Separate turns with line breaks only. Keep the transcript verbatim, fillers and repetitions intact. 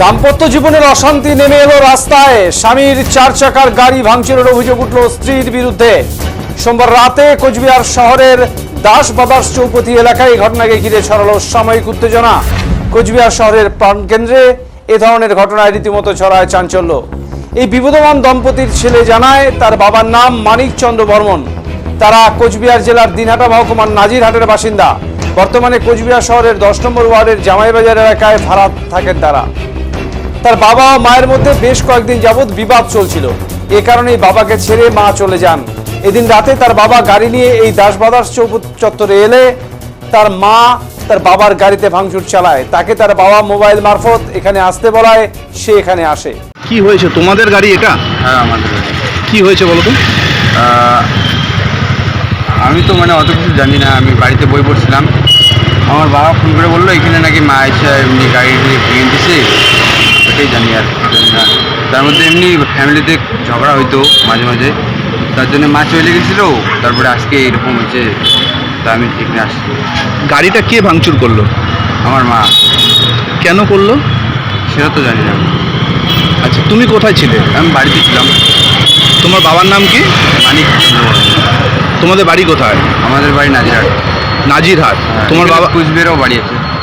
দাম্পত্য জীবনের অশান্তি নেমে এলো রাস্তায়। স্বামীর চার চাকার গাড়ি ভাঙচুরের অভিযোগ উঠল স্ত্রীর বিরুদ্ধে। সোমবার রাতে কোচবিহার শহরের দাস বাদাস চৌপতি এলাকায় ঘটনাকে ঘিরে ছড়ালো সাময়িক উত্তেজনা। কোচবিহার শহরের প্রাণকেন্দ্রে এ ধরনের ঘটনায় রীতিমতো ছড়ায় চাঞ্চল্য। এই বিবদমান দম্পতির ছেলে জানায় তার বাবার নাম মানিক চন্দ্র বর্মন। তারা কোচবিহার জেলার দিনহাটা মহকুমার নাজিরহাটের বাসিন্দা। বর্তমানে কোচবিহার শহরের দশ নম্বর ওয়ার্ডের জামাইবাজার এলাকায় ভাড়া থাকেন তারা। তার বাবা ও মায়ের মধ্যে বেশ কয়েকদিন যাবৎ বিবাদ চলছিল। এ কারণেই বাবাকে ছেড়ে মা চলে যান। এদিন রাতে তার বাবা গাড়ি নিয়ে এই দাসবাদাস চত্বরে এলে তার মা তার বাবার গাড়িতে ভাঙচুর চালায়। তাকে তার বাবা মোবাইল মারফত এখানে আসতে বলায় সে এখানে আসে।
কি হয়েছে? তোমাদের গাড়ি এটা?
হ্যাঁ আমাদের গাড়ি।
কি হয়েছে বলো তো?
আহ, আমি তো মানে অত কিছু জানি না। আমি বাড়িতে বই পড়ছিলাম, আমার বাবা ফোন করে বললো এখানে নাকি মা এসে এমনি গাড়ি ভেঙে দিছে, এটাই জানি আর জানি না। তার মধ্যে এমনি ফ্যামিলিতে ঝগড়া হইতো মাঝে মাঝে, তার জন্য মা চলে গেছিলো। তারপরে আজকে এরকম হয়েছে, তা আমি এখানে আসছি।
গাড়িটা কে ভাঙচুর করলো?
আমার মা।
কেন করলো
সেটা তো জানি না।
আচ্ছা, তুমি কোথায় ছিলে?
আমি বাড়িতে ছিলাম।
তোমার বাবার নাম কি?
মানিক চন্দ্র বর্মন।
তোমাদের বাড়ি কোথায়?
আমাদের বাড়ি নাজিরহাট।
নাজিরহাট। তোমার বাবা?
কুচবিহারেও বাড়ি আছে।